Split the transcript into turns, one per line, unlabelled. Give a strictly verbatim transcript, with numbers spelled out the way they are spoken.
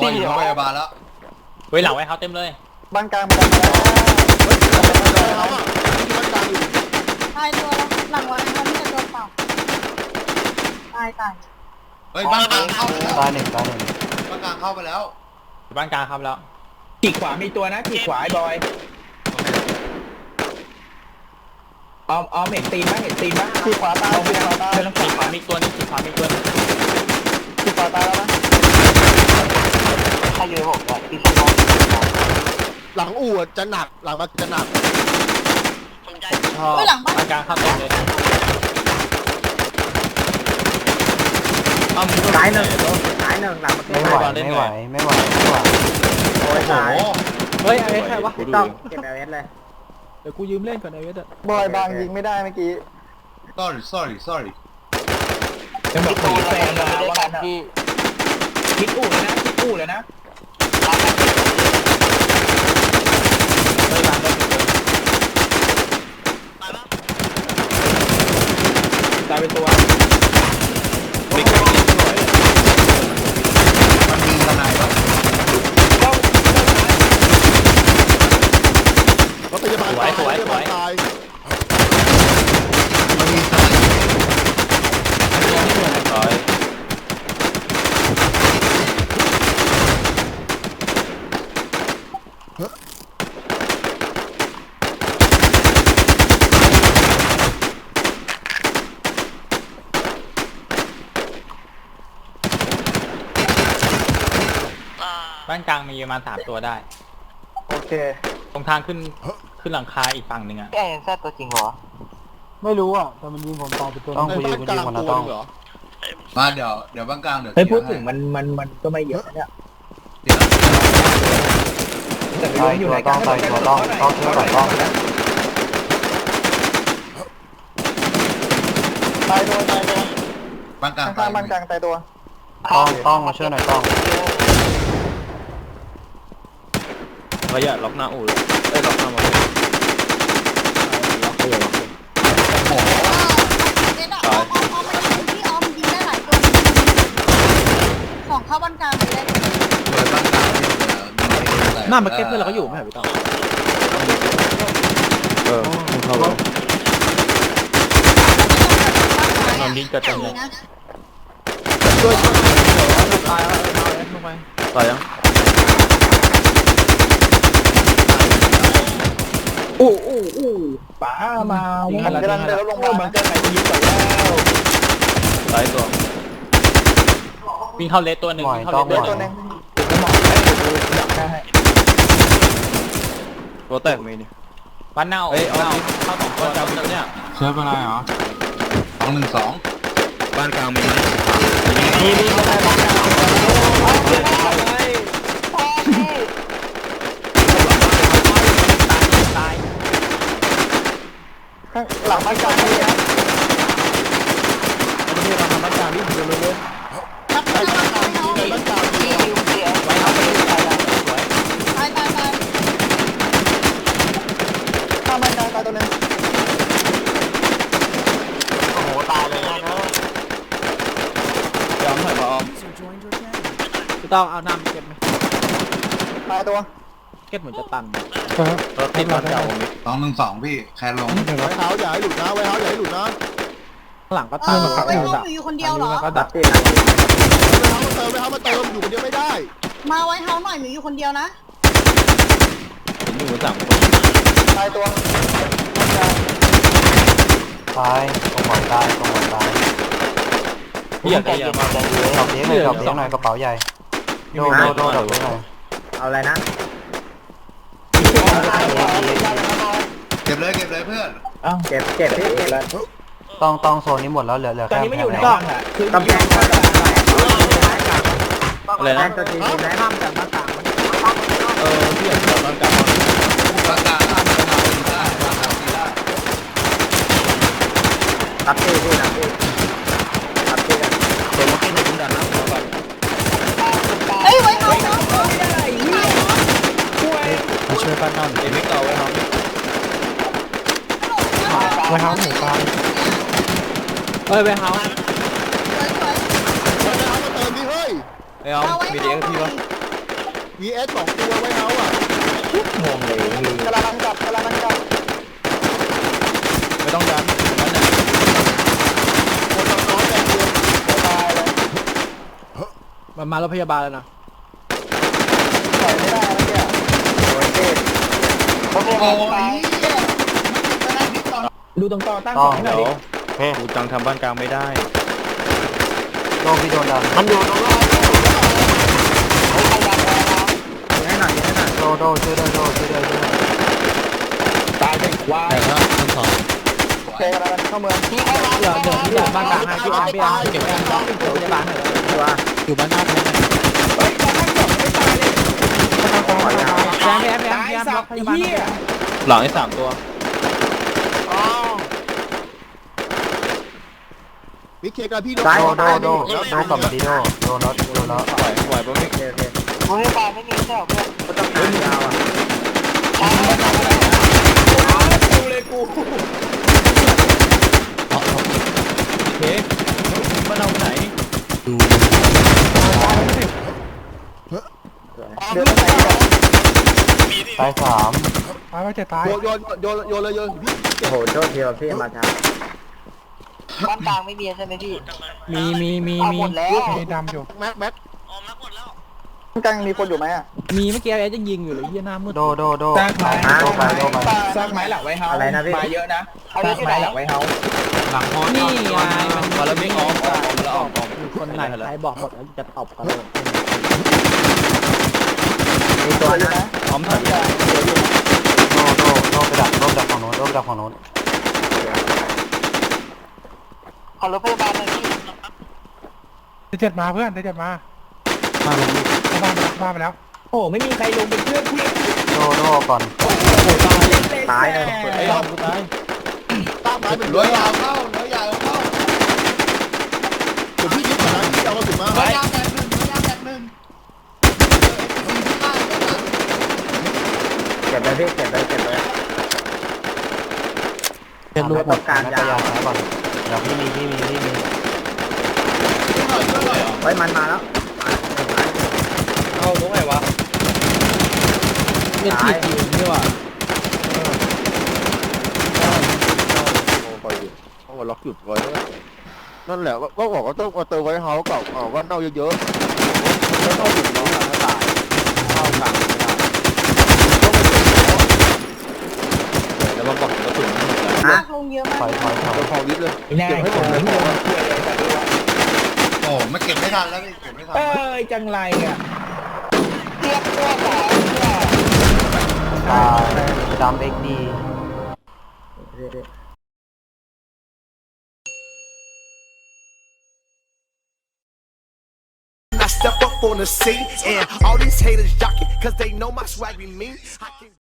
อยอยู่โรงพยาบาลแล้ว
เฮ้ยหลังไว้เขาเต็มเลย
บ้านกลางมาแล้ว
ตายตัวแล้วหลังวันนี้มันจะโดนเปล่าตายตาย
เฮ้ยบ้านกลางเข้าตายหนึ่งตายหนึ่งบ้านกลางเข้าไปแล้ว
บ้านกลางครับแล้ว
ขีดขวามีตัวนะขีดขวาไอ้บอยออมออมเห็นตีนไหมเห็นตีนไหม
ขีดขวาตายขีดขวาตาย
ขีดขวามีตัวนึงขีดขวามีตัวนึง
ขีดขวาตายแล้วนะ
ถ้าอยู่ในหกอ่ะที่สมอง
หลังอู่จะหนักหลังมันจะหนัก
ชอบบ้านกลางเข้าเต็มเลย
ตายหนึ่งตายหนึ่งหลังมันไม่ไหวไม่ไหวไม่ไหวไม่ไหวโอ้ยตาย
เฮ้ยไอ้ใครวะ
ต้องเก็บเอเอสเลย
เดี๋ยวกูยืมเล่นก่อนไอเวสอะ
บอยบางยิงไม่ได้เมื่อกี้
sorry sorry sorry
จะบอกผีแฟนมาว่ากันที่คิดอู่เลยนะคิดอู่เลยนะตายเป็นตัว
มันมีทนายปะ
รถพยาบาลตายรถพยาบาลตาย
มันมีทนายร้อย
บ้านกลางมีประมาณสามตัวได้
โอเค
ตรงทางขึ้นขึ้นหลังคาอีกฝั่งหนึ่งอะ
แกยังแซ่ตัวจริงเหรอ
ไม่รู้อ่ะแต่มันยิงผมตายไปตัว
ต้องคุยกันดีกว่านะต้อง
มาเดี๋ยวเดี๋ยวบ้านกลางเดี๋ยว
เฮ้ยพูดถึงมันมันมันก็ไม่เยอะเนี่ย
เดี๋ยว
แต่ไม่รู้อยู่ไหนกันต้อง
ต้องต้องช่วยหน่อยต้องตายตัวตายตัว
บ้านกลาง
ข้างบ้านกลางตายตัว
ต้องต้องมาช่วยหน่อยต้อง
ระยะล็อกหน้าอู่เลยเอ้ยล็อกหน้ามาล็อกเขาอย่าล็อกเลย
โอ้โหเด็ดอ่ะออมออมออมมันยิงที่ออมยิงได้หลายตัวของเข้าบ้านกลางไปได้
เปิดบ้านกลาง
หน้ามาเก็ตเพื่อนเราก็อยู่ไม่ใช่พี่ต้องเออเข้าไปนอนยิงกระจายเลยช่วยตายแล้วเอาเอสลงไปตายยัง
อู้อู้อู้ป๋ามาวิ่งกำลังเดินลงมามันจะไหนยิงก่อนแล้ว
ตายตัววิ่งเข้าเลสตัวหนึ่งวิ่งเข้าเลสตัวหนึ่ง
จะมองได้ดูอยากได้
ตัวแตกมีนี่บ้านเน่าเฮ้ยเอาเข้าสองตัวเจ้าเนี่ย
เชื่อเป็นไรเหรอสองหนึ่งสองบ้านกลางมีไหม
มีมีบ้านกลางตาย
หลังบ้านกลางนี่นะ
อันนี้เราทำบ้านกลางนี่เดียวเลย
รับไปรับไปน้อง
บ้านกลางมี
ไว้เอาไปสวย
ตายตายตาย
ข้างบ้านกลางตายตัวนึง
โอ้โหตายเลยนะ
ยอมถอยมาออมพี่ต้องเอาน้ำเก็บไหม
ตายตัว
เก็บเหมือนจะตันรถที่บ้านเก่า
สองหนึ่งสองพี่แคนลง
ไว้เท้าอย่าให้หลุดนะไว้เท้าอย่าให้หลุดนะ
หลังก็
ตั้งไว้ห้องอยู่คนเดียวเหรอ
ก็ดับ
ไว้เท้ามาเติมไว้เท้ามาเติมอยู่คนเดียวไม่ได้
มาไว้เท้าหน่อยหนูอยู่คนเดียวนะ
ผมอยู่สามคน
ตายตัวตายตรงหัวตายตรงหัวตาย
พี่อยากได้ยังไง
ดอกเบี้ยหน่อยดอกเบี้ยหน่อยกระเป๋าใหญ่โดโดโดดอกเบี้ยหน่อยเอาอะไรนะ
เก็บเลยเก็บเลยเพื่อน
อ้าวเก็บเก็บที่เก็บเลย
ต้องต้องโซนนี้หมดแล้วเหลือเหลือ
ตอนนี้ไม่อยู่ในกล้องอ่ะคือกำแพง
อะไรนะ
ตัวจริงได้ห้ามจากหน้าต่างมัน
เออพี่อยากจะบ้านกลาง
บ้านกลางบ้านกลางได้บ้านกลางได้
รับที่ที่รับที่รับที่กัน
เดี๋ยวมากินในถุงดันนะขอก่อน
เฮ้ยไว้เท้าเท้า
มาช่วยบ้านนั่นเอ็มเอ็กซ์เอาไว้ครับ
ไว้เท้าหมูปลา
เฮ้ยไว้เท้า
สวยสวย
ไว้เท้ามาเติมดิเฮ้ย
ไอ้เอามีเด็กพี่ปะ
วีเอสสองตัวไว้เฮาอ่ะ
งงเลยมี
กำลังกลับกำลังกลับ
ไม่ต้องดันนั่นน่ะ
คนน้อยๆแต่เดียว
ตายเลย
มันมารถพยาบาลแล้วนะ
ถอยไม่ได้แล้วเนี่ยโอ้ยเจ็บ
โอเค
โอ้ย
ดูตรงต่อตั้งของให้หน่อยดิ
เฮ้ย
กูจังทำบ้านกลางไม่ได้
โดนพี่โดนดันมันอยู่ตรงนั้น
ให้หน่อยให้หน่อย
โดโดช่วยด้วยโดช่วยด้วยช่วยด้วย
ตายเป็นควาย
แต่ละทั้งสอง
โอเคกำลังเข้าเมืองพี่
เดี๋ยวเดี๋ยวที่บ้านกลางให้พี่อาร์พี่อาร์เก็บแอมต้องเดี๋ยวจะบ้านให้
ตัว
อยู่บ้านหน้าแทน
เฮ้ยตอนตั้งของไม่ตายเลย
แอมแอมแอม
ตาย
แอม
สั
ล็
บอก
พ
ไอ้
ยาบาล
เหี้ย
หลังไอ้สามตัว
วิกเคกับพี่
ตาย
โดโด
ตาย
โดโดโดกลับมาดีโดโดน็อตโดน็อต
ปล่อยปล่อยปะพี่
โอเคโอเค
โรงพยาบาลไม่มีใช่หรอเพื่อน
ก็ต้องการยาวอ่ะ
กูเลยกู
โอเคบ้านเราไหน
เดือดไป
ตายสาม
โยนโยนโยนโยนเลยโยนพี่
โอ้โหโทษทีว่าพี่มาช้า
บ้านกลางไม่มีใช่ไหมพี่
มีมีมี
เอา
มี
หมดแล้ว
แม็กแม็ก
กลางมีคนอยู่ไหมอ่ะ
มีเมื่อกี้แอร์จะยิงอยู่เลยเฮียหน้ามืด
โดโดโด
สร้างไม้
โดไปโดไป
สร้างไม้หลังไว้เฮา
อะไรนะพี่
มาเยอะนะสร้างไม้หลังไว้เฮา
หลังพอ
นี่ไงมัน
มาแล้วไม่ออกออกแล้วออกออก
มีคนไหนใครบอกหมดแล้วจะตบกันเลย
มีตัวนะ
พร้อมถอย
โดโดโดไปดักโดไปดักฝั่งโน้นโดไปดักฝั่งโน้นขอรถพยาบาลหน่อยพี่
เจ็ดมาเพื่อนเจ็ดมา
มาเลย
เข้าบ้านไปแล้วเข้าบ้านไปแล้ว
โอ้ไม่มีใครลงเป็นเพื่อนพี่
โดโดก่อน
ตายเลย
ไอ้รอบกูตาย
ตั้งไม้เป็นร้อยยาวเข้าร้อยยาวเข้าเดี๋ยวพี่ยึดก่อนนะพี่เอากระสุนมา
ร้อยยาวแตกหนึ่งร้อยยาวแตกหนึ่ง
เก็บเลยพี่เก็บเลยเก็บเลย
เป็นลูก
ต้องการยาว
ซ้ายก่อนเดี๋ยวพี่มีพี่มีพี่มี
ไว้มันมาแล้ว
เอาตรงไหนวะ
เป็นทีคิวนี่ว่ะ
คอยดูเขาก็ล็อกหยุดไว้นั่นแหละก็บอกว่าต้องมาเติมไว้เฮาเก่าเก่าว่าเน่าเยอะๆแล้วต้องหยุดน้องถ้าตายเข้ากลางไม่ได้
แล้วมาบอกกระสุนหมดแล้ว
ลากลงเยอะ
ถ
มา
อก ยถอยถอย
เดี๋ยวของยึดเลย
ไม่ได้ผมไม่ลงช่วยเลยแต่ดูว่า
โอ้ไม่เก็บไม่ทันแล้วพี่เก็บไม่ทัน
เอ้ยจังไรอ่ะ
ตายดำเอ็กดี
I step up on the scene and all these haters jockey cause they know my swag be mean. I can